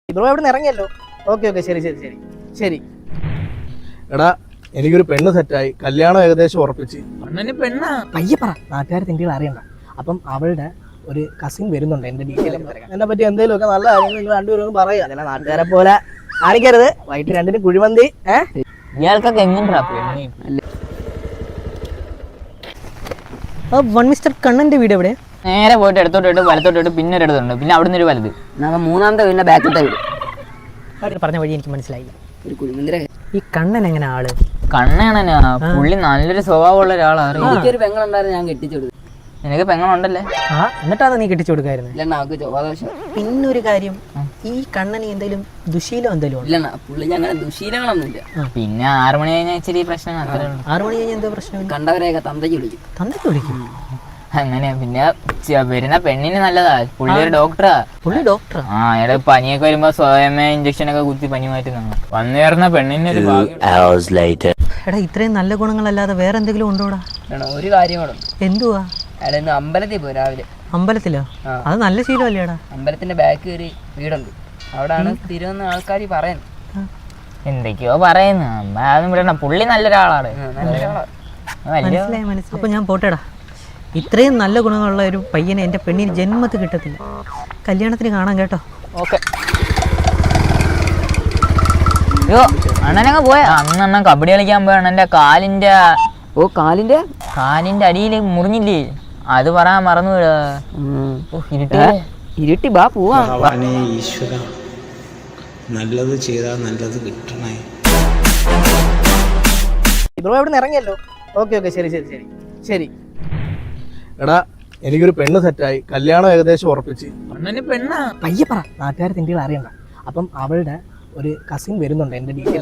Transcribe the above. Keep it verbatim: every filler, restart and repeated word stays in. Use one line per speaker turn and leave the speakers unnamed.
Bro എവിടെ നിന്ന് ഇറങ്ങിയല്ലോ? Okay okay ശരി ശരി ശരി ശരി. എടാ എനിക്കൊരു പെണ്ണ് സെറ്റായി, കല്യാണം ഏകദേശം ഉറപ്പിച്ച്.
പെണ്ണാ
പയ്യെ പറ, നാട്ടുകാർ തിണ്ടികൾ അറിയണ്ട. അപ്പം അവളുടെ ഒരു കസിൻ വരുന്നുണ്ട്. എന്റെ ഡീറ്റെയിൽ എന്നെ പറ്റി എന്തെങ്കിലും ഒക്കെ നല്ല കാര്യങ്ങൾ നിങ്ങൾ രണ്ടുപേരും പറയാ. അതല്ല നാട്ടുകാരെ പോലെ കാണിക്കരുത്. വൈകിട്ട് രണ്ടിന് കുഴിമന്തി. ഏഹ്
ഇയാൾക്കൊക്കെ എങ്ങനെയാ പെണ്ണി?
വൺ മിസ്റ്റർ കണ്ണന്റെ വീട് എവിടെ?
നേരെ പോയിട്ട് എടുത്തോട്ട് വലത്തോട്ട് പിന്നെ ഒരു ഇടതുണ്ട്, പിന്നെ അവിടെ നിന്ന് ഒരു വലുത്.
മൂന്നാമത്തെ വീടിന്റെ ബാക്കത്തെ വീട്.
പറഞ്ഞ വഴി എനിക്ക് മനസ്സിലായില്ല. ഈ കണ്ണൻ എങ്ങനെ ആള്?
കണ്ണാണനാ പുള്ളി നല്ലൊരു സ്വഭാവമുള്ള ഒരാളാണ്.
എനിക്കൊരു പെങ്ങളുണ്ടായിരുന്നു, ഞാൻ കെട്ടിച്ചു കൊടുത്തു.
നിനക്ക് പെങ്ങളുണ്ടല്ലേ?
ആ എന്നിട്ടാണ് നീ കെട്ടിച്ചു കൊടുക്കായിരുന്നു?
ഇല്ലണ്ണ, അവർക്ക് ചൊവ്വാദോഷം.
പിന്നൊരു കാര്യം, ഈ കണ്ണന് എന്തെങ്കിലും ദുശീലം എന്തെങ്കിലും?
ഇല്ലണ്ണ, പുള്ളിക്ക് അങ്ങനെ ദുശീലങ്ങളൊന്നുമില്ല.
പിന്നെ ആറു മണി കഴിഞ്ഞാൽ ഇച്ചിരി പ്രശ്നം.
ആറു മണി കഴിഞ്ഞാൽ എന്തോ പ്രശ്നം?
കണ്ടവരെയൊക്കെ തന്തയ്ക്ക് വിളിക്കും.
തന്തയ്ക്ക് വിളിക്കും?
അങ്ങനെയാ. പിന്നെ വരുന്ന പെണ്ണിന് നല്ലതാ. പുള്ളി ഒരു ഡോക്ടറാ.
പുള്ളി ഡോക്ടറാ?
ആ അയാള് പനിയൊക്കെ വരുമ്പോ സ്വയമേ ഇഞ്ചക്ഷൻ ഒക്കെ കുത്തി പനി മാറ്റുന്ന വന്നു കയറുന്ന പെണ്ണിന് ഒരു
എടാ ഇത്രയും നല്ല ഗുണങ്ങളല്ലാതെ വേറെ എന്തെങ്കിലും ഉണ്ടോടാ?
ഒരു കാര്യം കൂടെ.
എന്തുവാ?
അയാൾ ഇന്ന് അമ്പലത്തിൽ പോയി രാവിലെ.
അമ്പലത്തിലോ? അത് നല്ല ശീലമല്ലേടാ?
അമ്പലത്തിന്റെ ബാക്ക് കയറി വീടുണ്ട്, അവിടാണ് തിരുവന്ന ആൾക്കാർ പറയുന്നത്.
എന്തൊക്കെയോ പറയുന്നു. അതൊന്നും വിടണ്ട, പുള്ളി നല്ലൊരാളാണ്.
മനസ്സിലായി മനസ്സിലായി. അപ്പൊ ഞാൻ പോട്ടേടാ. ഇത്രയും നല്ല ഗുണങ്ങളുള്ള ഒരു പയ്യനെ എൻ്റെ പെണ്ണിന് ജന്മത്തിൽ കിട്ടത്തില്ല. കല്യാണത്തിന് കാണാം കേട്ടോ.
ഓക്കെ. അയ്യോ അണ്ണനങ്ങ് പോയ അന്ന് അണ്ണൻ കബഡി കളിക്കാൻ പോയ അണ്ണൻ്റെ കാലിൻ്റെ
ഓ കാലിന്റെ
കാലിൻ്റെ അടിയിൽ മുറിഞ്ഞില്ലേ? അത് പറയാൻ മറന്നു വിടാ. ഇരുട്ടി
ഇരുട്ടി ബാ പോവാ.
ഈശ്വര നല്ലത് ചെയ്താൽ നല്ലത് കിട്ടണേ.
ബ്രോ എവിടെ നിന്ന് ഇറങ്ങിയല്ലോ? ഓക്കെ ഓക്കെ ശരി ശരി ശരി ശരി. എടാ എനിക്കൊരു പെണ്ണ് സെറ്റായി, കല്യാണം ഏകദേശം ഉറപ്പിച്ച്.
പെണ്ണാ
പയ്യെ പറ, നാട്ടുകാർ തിണ്ടികൾ അറിയണ്ട. അപ്പം അവളുടെ ഒരു കസിൻ വരുന്നുണ്ട്. എന്റെ ഡീറ്റെയിൽ